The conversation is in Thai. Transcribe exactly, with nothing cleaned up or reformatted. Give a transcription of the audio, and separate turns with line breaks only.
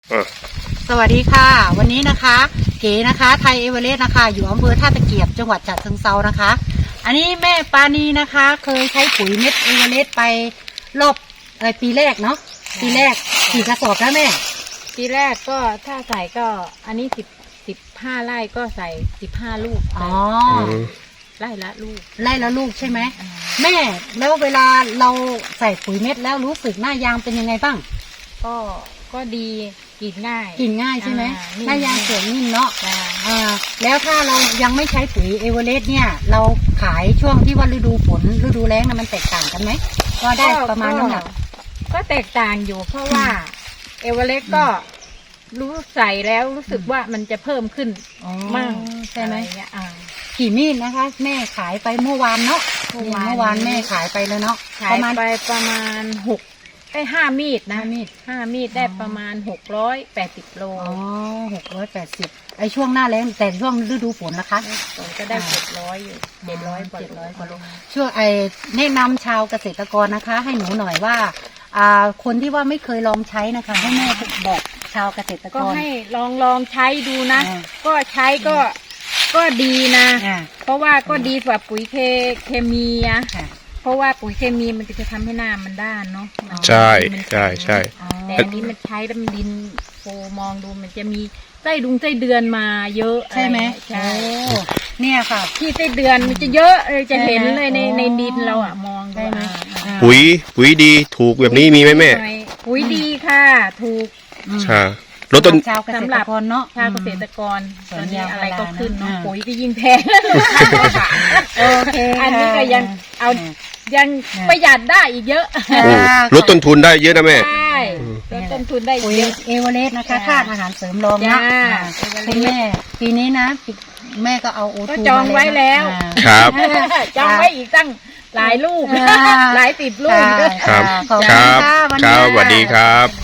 สวัสดีค่ะวันนี้นะคะเก๋นะคะไทยเอเวอเรสต์นะคะอยู่อำเภอท่าตะเกียบจังหวัดฉะเชิงเทรานะคะ อันนี้แม่ปานีนะคะเคยใช้ปุ๋ยเม็ดเอเวอเรสต์ไปรอบอะไรปีแรกเนาะปีแรกกี่กระสอบแล้วแม่
ปีแรกก็ถ้าใส่ก็อันนี้สิบสิบห้าไร่ก็ใส่สิบห้าลูก
อ๋อ
ไร่ละลูก
ไร่ละลูกใช่ไหมแม่แล้วเวลาเราใส่ปุ๋ยเม็ดแล้วรู้สึกหน้ายางเป็นยังไงบ้าง
ก็ก็ดีกินง่าย
กินง่ายใช่ไหมหน้ายางสวยนิ่มเนาะอ่าแล้วถ้าเรายังไม่ใช้ปุ๋ยเอเวอเรสต์เนี่ยเราขายช่วงที่ว่าฤดูฝนฤดูแล้งนะมันแตกต่างกันไหมก็ได้ประมาณน้ำหนัก
ก็แตกต่างอยู่เพราะว่าเอเวอเรสต์ก็รู้ใส่แล้วรู้สึกว่ามันจะเพิ่มขึ้นมาก
ใช่ไหมกี่มีดนะคะแม่ขายไปเมื่อวานเนาะเมื่อวานเมื่อวานแม่ขายไปแล้วเนาะ
ขายไปประมาณหกได้ห้ามีดนะมีดห้ามีดได้ประมาณหกร้อยแปดสิบโล
อ๋อหกร้อยแปดสิบไอช่วงหน้าแล้งแต่ช่วงฤดูฝนนะคะ
ฝนก็ได้เจ็ดร้อยอยู่เจ็ดร้อยกว่าร้อยกว่าโล
ช่วงไอแนะนำชาวเกษตรกรนะคะให้หนูหน่อยว่าอ่าคนที่ว่าไม่เคยลองใช้นะคะให้แม่บอกชาวเกษตรกร
ก็ให้ลองลองใช้ดูนะก็ใช้ก็ก็ดีนะเพราะว่าก็ดีกว่าปุ๋ยเคเคมีอะเพราะว่าปุ๋ยเคมีมันจะทำให้หน้ามันด้านเนาะ
ใช่ใช่ใช่
แต่อันนี้มันใช้แล้วมันดินโฟมองดูมันจะมีไส้ดุงไส้เดือนมาเยอะ
ใช่ไหม
ใช่
เนี่ยค่ะ
ที่ไส้เดือนมันจะเยอะเลยจะเห็นเลยในในดินเราอะมอง
ได้ไหม
ปุ๋ยปุ๋ยดีถูกแบบนี้มีไหมแม่
ปุ๋ยดีค่ะถูก
ใช่ลดต้น
ชาวเกษตรกรเนาะ
ชาวเกษตรกรตอนนี้อะไรก็ขึ้นเนาะปุ๋ยก็ยิ่งแพง
โอเค
อันนี้ก็ยังเอายังประหยัดได้อีกเยอะ
ลดต้นทุนได้เยอะนะแม่
ใช่ลดต้นทุนได้
ปุ๋ยเอเวอเรสต์นะคะธาตุอาหารเสริมรองนะคุณแม่ปีนี้นะแม่ก็เอาโอทู
จองไว้แล้ว
ครับ
จองไว้อีกตั้งหลายลูกหลายสิบลูก
ครับครับครับสวัสดีครับ